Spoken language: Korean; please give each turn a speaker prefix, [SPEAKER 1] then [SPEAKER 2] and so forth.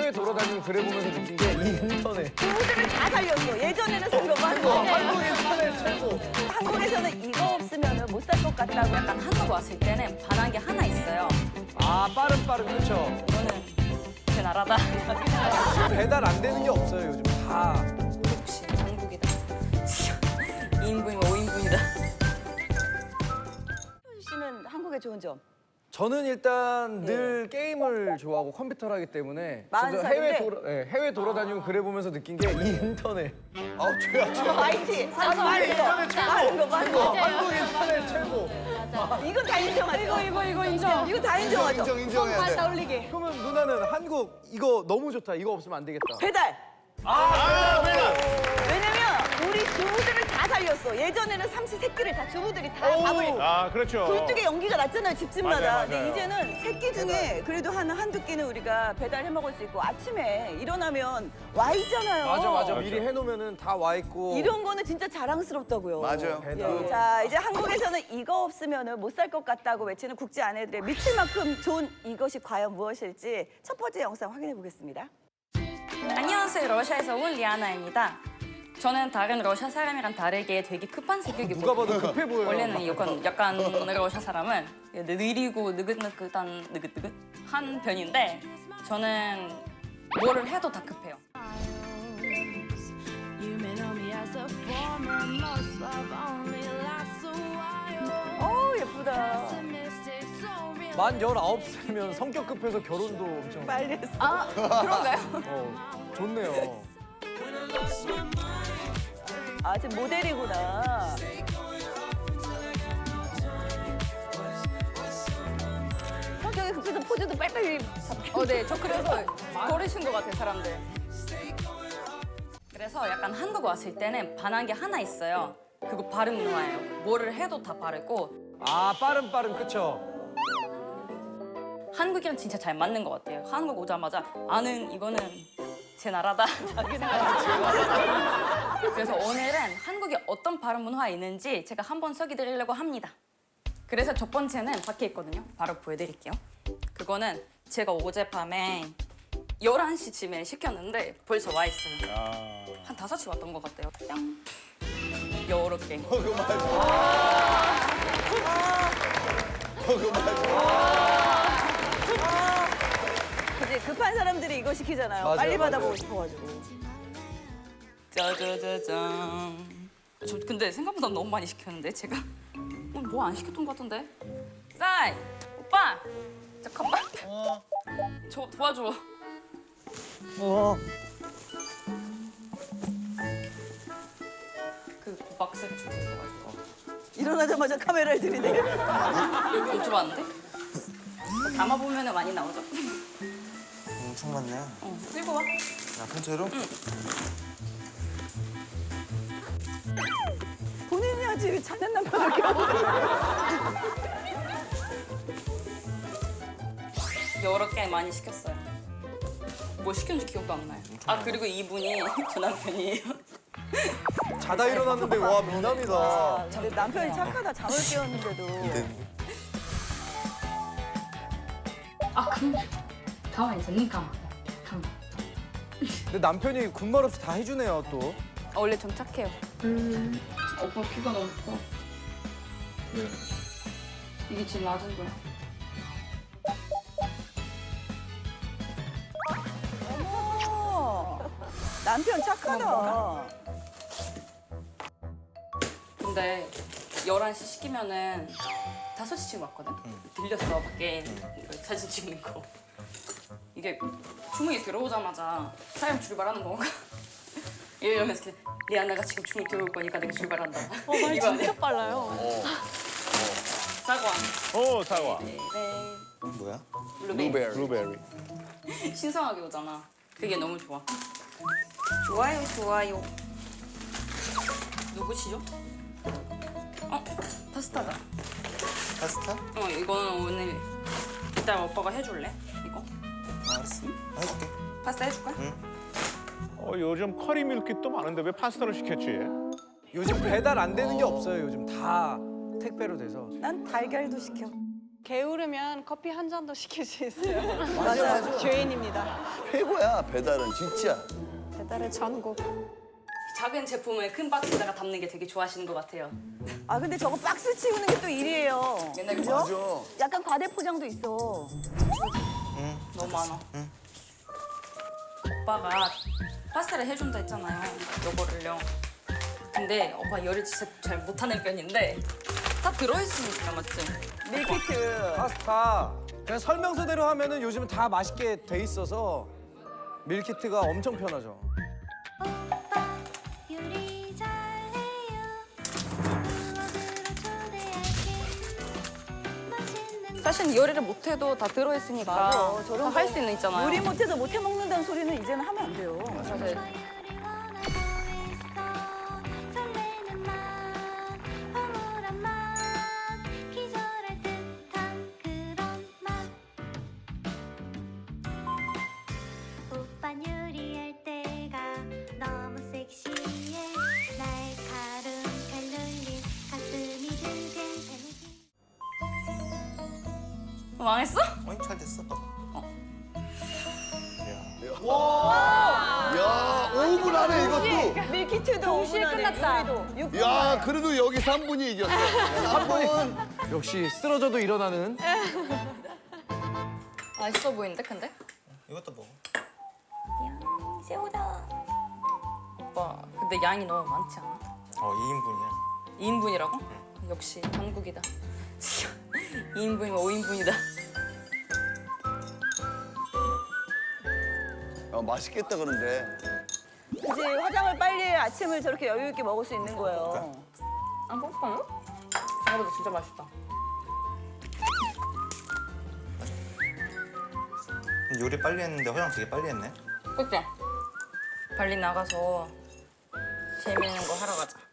[SPEAKER 1] 해외 돌아다니고 그래 보면서 느낀 게 이 인터넷.
[SPEAKER 2] 주부들을 다 살렸어. 예전에는 산 거고 한국.
[SPEAKER 1] 한국 인터넷 최고.
[SPEAKER 2] 한국에서는 이거 없으면 못 살 것 같다고
[SPEAKER 3] 약간 한국 왔을 때는 반한 게 하나 있어요.
[SPEAKER 1] 아 빠른 그쵸.
[SPEAKER 3] 이거는 제 나라다.
[SPEAKER 1] 배달 안 되는 게 없어요 요즘 다.
[SPEAKER 3] 역시 한국이다. 2인분이면 5인분이다.
[SPEAKER 2] 씨는 한국의 좋은 점.
[SPEAKER 1] 저는 일단 늘 게임을 좋아하고 컴퓨터를 하기 때문에
[SPEAKER 2] 마흔
[SPEAKER 1] 저도
[SPEAKER 2] 살인데?
[SPEAKER 1] 해외 돌아다니고 그래 보면서 느낀 게 이 인터넷.
[SPEAKER 4] 아우 죄야.
[SPEAKER 2] IT. 빠른 거.
[SPEAKER 1] 한국 인터넷 최고.
[SPEAKER 2] 이건 다 인정하죠.
[SPEAKER 3] 이거 인정.
[SPEAKER 2] 이거 다 인정하죠.
[SPEAKER 4] 인정해야 돼.
[SPEAKER 3] 올리기.
[SPEAKER 1] 그러면 누나는 한국 이거 너무 좋다. 이거 없으면 안 되겠다.
[SPEAKER 2] 배달. 왜냐면 우리 주부들을 다 살렸어. 예전에는 삼시세끼를 다 주부들이 다 밥을
[SPEAKER 5] 아, 그렇죠.
[SPEAKER 2] 굴뚝에 연기가 났잖아요, 집집마다.
[SPEAKER 5] 맞아요,
[SPEAKER 2] 근데
[SPEAKER 5] 맞아요.
[SPEAKER 2] 이제는 세끼 중에 그래도 한두 끼는 우리가 배달해 먹을 수 있고 아침에 일어나면 와 있잖아요.
[SPEAKER 1] 맞아. 미리 해놓으면은 다 와 있고.
[SPEAKER 2] 이런 거는 진짜 자랑스럽다고요.
[SPEAKER 4] 맞아요.
[SPEAKER 1] 배달.
[SPEAKER 2] 예. 자, 이제 한국에서는 이거 없으면 못 살 것 같다고 외치는 국제 아내들의 미칠 만큼 좋은 이것이 과연 무엇일지 첫 번째 영상 확인해 보겠습니다.
[SPEAKER 3] 안녕하세요. 러시아에서 온 리아나입니다. 저는 다른 러시아 사람이랑 다르게 되게 급한 성격이고
[SPEAKER 1] 누가 봐도 급해 보여요.
[SPEAKER 3] 원래는 약간 러시아 사람은 느리고 느긋한 편인데 저는 뭐를 해도 다 급해요.
[SPEAKER 2] 예쁘다.
[SPEAKER 1] 만 19살이면 성격 급해서 결혼도 엄청.
[SPEAKER 2] 빨리 했어.
[SPEAKER 3] 아, 그런가요?
[SPEAKER 1] 좋네요.
[SPEAKER 2] 아, 지금 모델이구나. 성격이 급해서 포즈도 빨리빨리 잡혀.
[SPEAKER 3] 네. 저 그래서 버리신 것 같아요, 사람들. 그래서 약간 한국 왔을 때는 반한 게 하나 있어요. 그거 발음 문화예요. 뭐를 해도 다 바르고
[SPEAKER 1] 아 빠른 그쵸.
[SPEAKER 3] 한국이랑 진짜 잘 맞는 것 같아요. 한국 오자마자 아는 이거는 제 나라다. 그래서 오늘은 한국에 어떤 발음 문화가 있는지 제가 한번 소개드리려고 합니다. 그래서 첫 번째는 밖에 있거든요. 바로 보여드릴게요. 그거는 제가 어젯밤에 11시쯤에 시켰는데 벌써 와 있어요. 한 5시 왔던 것 같아요. 뿅. 요렇게.
[SPEAKER 4] 그거 맞아. 그거 맞아.
[SPEAKER 2] 그치, 급한 사람들이 이거 시키잖아요.
[SPEAKER 1] 맞아요,
[SPEAKER 2] 빨리
[SPEAKER 1] 맞아요.
[SPEAKER 2] 받아보고 싶어가지고.
[SPEAKER 3] 짜자자잔. 저 근데 생각보다 너무 많이 시켰는데 제가 뭐 안 시켰던 것 같은데. 쌀 오빠 잠깐만. 저 도와줘. 그 박스를 주고 있어가지고
[SPEAKER 2] 일어나자마자 카메라를 들이대.
[SPEAKER 3] 못 줘봤는데? 담아보면 많이 나오죠?
[SPEAKER 4] 엄청 많네.
[SPEAKER 3] 들고 와.
[SPEAKER 4] 야, 통째로?
[SPEAKER 2] 본인이 하지 자는 남편을 겨우.
[SPEAKER 3] 여러 개 많이 시켰어요. 뭐 시켰는지 기억도 안 나요. 아 그리고 이분이 저 남편이에요.
[SPEAKER 1] 자다 일어났는데 와 미남이다.
[SPEAKER 2] 근데 남편이 착하다. 잠을 깨웠는데도.
[SPEAKER 3] 아 그럼 가만히 있어. 눈 감아. 감아.
[SPEAKER 1] 근데 남편이 군말 없이 다 해주네요 또.
[SPEAKER 3] 원래 좀 착해요. 오빠 키가 너무 커. 왜? 이게 지금 낮은 거야.
[SPEAKER 2] 어머, 남편 착하다.
[SPEAKER 3] 근데 11시 시키면은 5시쯤 왔거든? 들렸어, 밖에 사진 찍는 거. 이게 주문이 들어오자마자 사람 출발하는 건가? 이러면서 이렇게 리아나가 지금 주문 들어올 거니까 내가 출발한다. 말 이거 진짜 빨라요. 사과.
[SPEAKER 5] 오, 사과.
[SPEAKER 3] 네.
[SPEAKER 4] 뭐야?
[SPEAKER 3] 블루베리.
[SPEAKER 5] 블루베리.
[SPEAKER 3] 신선하게 오잖아. 그게 너무 좋아. 좋아요, 좋아요. 누구시죠? 파스타다.
[SPEAKER 4] 파스타?
[SPEAKER 3] 이거는 오늘 이따 오빠가 해줄래? 이거?
[SPEAKER 4] 알았어. 해줄게.
[SPEAKER 3] 파스타 해줄까?
[SPEAKER 5] 요즘 커리 밀키트 많은데 왜 파스타를 시켰지?
[SPEAKER 1] 요즘 배달 안 되는 게 없어요 요즘 다 택배로 돼서.
[SPEAKER 2] 난 달걀도 시켜.
[SPEAKER 6] 게으르면 커피 한 잔도 시킬 수 있어요.
[SPEAKER 7] 맞아.
[SPEAKER 6] 죄인입니다.
[SPEAKER 7] 최고야 배달은 진짜.
[SPEAKER 6] 배달의 전국.
[SPEAKER 3] 작은 제품을 큰 박스에다가 담는 게 되게 좋아하시는 것 같아요.
[SPEAKER 2] 아 근데 저거 박스 치우는 게 또 일이에요.
[SPEAKER 3] 맨날
[SPEAKER 2] 그죠?
[SPEAKER 7] 맞아.
[SPEAKER 2] 약간 과대 포장도 있어.
[SPEAKER 3] 너무 많아. 오빠가 파스타를 해준다 했잖아요. 요거를요. 근데 오빠 요리 진짜 잘 못하는 편인데 다 들어있으니까 맞지?
[SPEAKER 2] 밀키트.
[SPEAKER 1] 파스타 그냥 설명서대로 하면은 요즘은 다 맛있게 돼 있어서 밀키트가 엄청 편하죠.
[SPEAKER 8] 요리 잘해요. 부엌으로 초대할게. 맛있는
[SPEAKER 3] 사실 요리를 못해도 다 들어있으니까
[SPEAKER 2] 맞아. 저런
[SPEAKER 3] 할 수 있는 있잖아요.
[SPEAKER 2] 요리 못해서 못해 먹는다는 소리는 이제는 하면 안 돼요.
[SPEAKER 3] 사실
[SPEAKER 8] 요리 원하고 있어. 설레는 맛, 황홀한 맛, 기절할 듯한 그런 맛. 오빤 요리할 때가 너무 섹시해. 날카로운 칼놀림, 가슴이 든든 달리기.
[SPEAKER 3] 망했어?
[SPEAKER 4] 어이 잘 됐어.
[SPEAKER 7] 야 5분 안에 이것도.
[SPEAKER 2] 밀키트도
[SPEAKER 6] 동시에
[SPEAKER 2] 5분 안에
[SPEAKER 6] 끝났다.
[SPEAKER 2] 요리도 6분
[SPEAKER 7] 야
[SPEAKER 2] 안에.
[SPEAKER 7] 그래도 여기 3분이 이겼어. 3분.
[SPEAKER 1] 역시 쓰러져도 일어나는.
[SPEAKER 3] 맛있어 보이는데 근데?
[SPEAKER 4] 이것도 먹어.
[SPEAKER 2] 새우다.
[SPEAKER 3] 오빠 근데 양이 너무 많지 않아?
[SPEAKER 4] 2인분이야.
[SPEAKER 3] 2인분이라고? 역시 한국이다. 2인분이면 5인분이다.
[SPEAKER 7] 맛있겠다 그런데.
[SPEAKER 2] 그지 화장을 빨리 해 아침을 저렇게 여유 있게 먹을 수 있는 거예요.
[SPEAKER 3] 안 그럴까요? 생각보다 진짜 맛있다.
[SPEAKER 4] 요리 빨리 했는데 화장 되게 빨리 했네.
[SPEAKER 3] 그치? 빨리 나가서 재밌는 거 하러 가자.